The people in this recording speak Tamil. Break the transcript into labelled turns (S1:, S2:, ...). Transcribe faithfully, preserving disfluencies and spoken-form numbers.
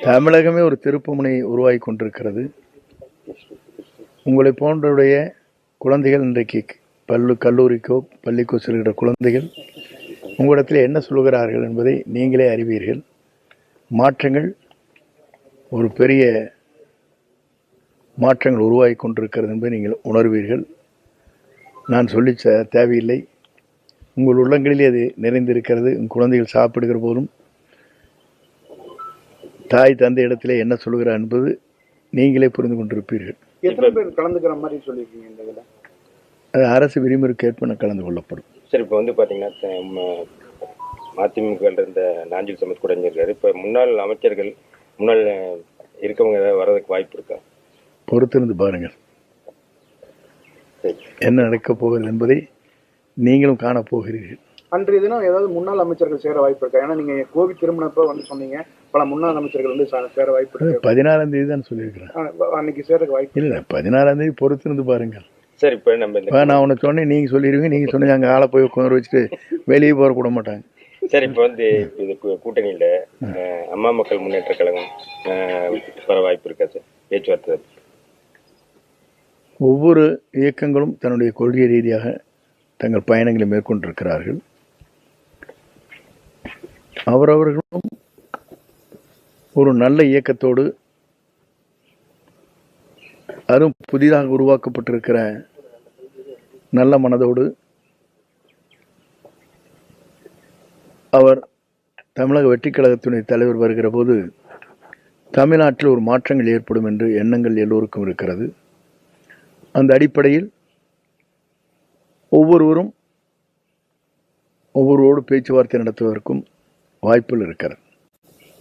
S1: தமிழகமே ஒரு திருப்புமுனை உருவாகி கொண்டிருக்கிறது. உங்களை போன்றவுடைய குழந்தைகள் இன்றைக்கு பல்லு கல்லூரிக்கோ பள்ளிக்கோ செல்கிற குழந்தைகள் உங்களிடத்தில் என்ன சொல்கிறார்கள் என்பதை நீங்களே அறிவீர்கள். மாற்றங்கள் ஒரு பெரிய மாற்றங்கள் உருவாகி கொண்டிருக்கிறது என்பதை நீங்கள் உணர்வீர்கள். நான் சொல்லி தேவையில்லை, உங்கள் உள்ளங்களிலே அது நிறைந்திருக்கிறது. உங்கள் குழந்தைகள் சாப்பிடுகிற போதும் தாய் தந்தை இடத்திலே என்ன சொல்கிறார் என்பது நீங்களே புரிந்து கொண்டிருப்பீர்கள்.
S2: எத்தனை பேர் கலந்துக்கிற மாதிரி சொல்லியிருக்கீங்க இந்த இதில்?
S1: அது அரசு விதிமுறைக்கேற்ப கலந்து கொள்ளப்படும்.
S3: சார், இப்போ வந்து பார்த்தீங்கன்னா மதிமுக இருந்த நாஞ்சில் சமத் கூட இருக்காரு. இப்போ முன்னாள் அமைச்சர்கள் முன்னாள் இருக்கவங்க ஏதாவது வர்றதுக்கு வாய்ப்பு இருக்கா?
S1: பொறுத்திருந்து பாருங்கள் என்ன நடக்கப் போகிறது என்பதை நீங்களும் காணப்போகிறீர்கள்.
S2: அன்றைய தினம் ஏதாவது முன்னாள் அமைச்சர்கள் சேர வாய்ப்பு இருக்கா? ஏன்னா நீங்க கோவி திருமணப்ப வந்து சொன்னீங்க பல முன்னாள் அமைச்சர்கள் வந்து சேர வாய்ப்பு இருக்கு.
S1: பதினாறாம் தேதி தான் சொல்லியிருக்கிறேன்.
S2: அன்னைக்கு சேரக்கு வாய்ப்பு
S1: இல்லை, பதினாறாம் தேதி பொறுத்திருந்து பாருங்கள்.
S3: சரி, இப்போ நம்ம
S1: நான் உன்னை சொன்னேன், நீங்க சொல்லிடுவீங்க. நீங்க சொன்னீங்க அங்கே ஆளை போய் உட்காந்து வச்சுட்டு வெளியே போற கூட மாட்டாங்க.
S3: சரி, இப்போ வந்து இது கூட்டணியில அம்மா மக்கள் முன்னேற்ற கழகம் வர வாய்ப்பு இருக்கா சார்? பேச்சுவார்த்தை
S1: ஒவ்வொரு இயக்கங்களும் தன்னுடைய கொள்கை ரீதியாக தங்கள் பயணங்களை மேற்கொண்டிருக்கிறார்கள். அவரவர்களும் ஒரு நல்ல இயக்கத்தோடு, அதுவும் புதிதாக உருவாக்கப்பட்டிருக்கிற நல்ல மனதோடு அவர் தமிழக வெற்றிக் கழகத்தினுடைய தலைவர் வருகிற போது தமிழ்நாட்டில் ஒரு மாற்றங்கள் ஏற்படும் என்று எண்ணங்கள் எல்லோருக்கும் இருக்கிறது. அந்த அடிப்படையில் ஒவ்வொருவரும் ஒவ்வொருவரோடு பேச்சுவார்த்தை நடத்துவதற்கும் வாய்ப்புகள் இருக்கிறது.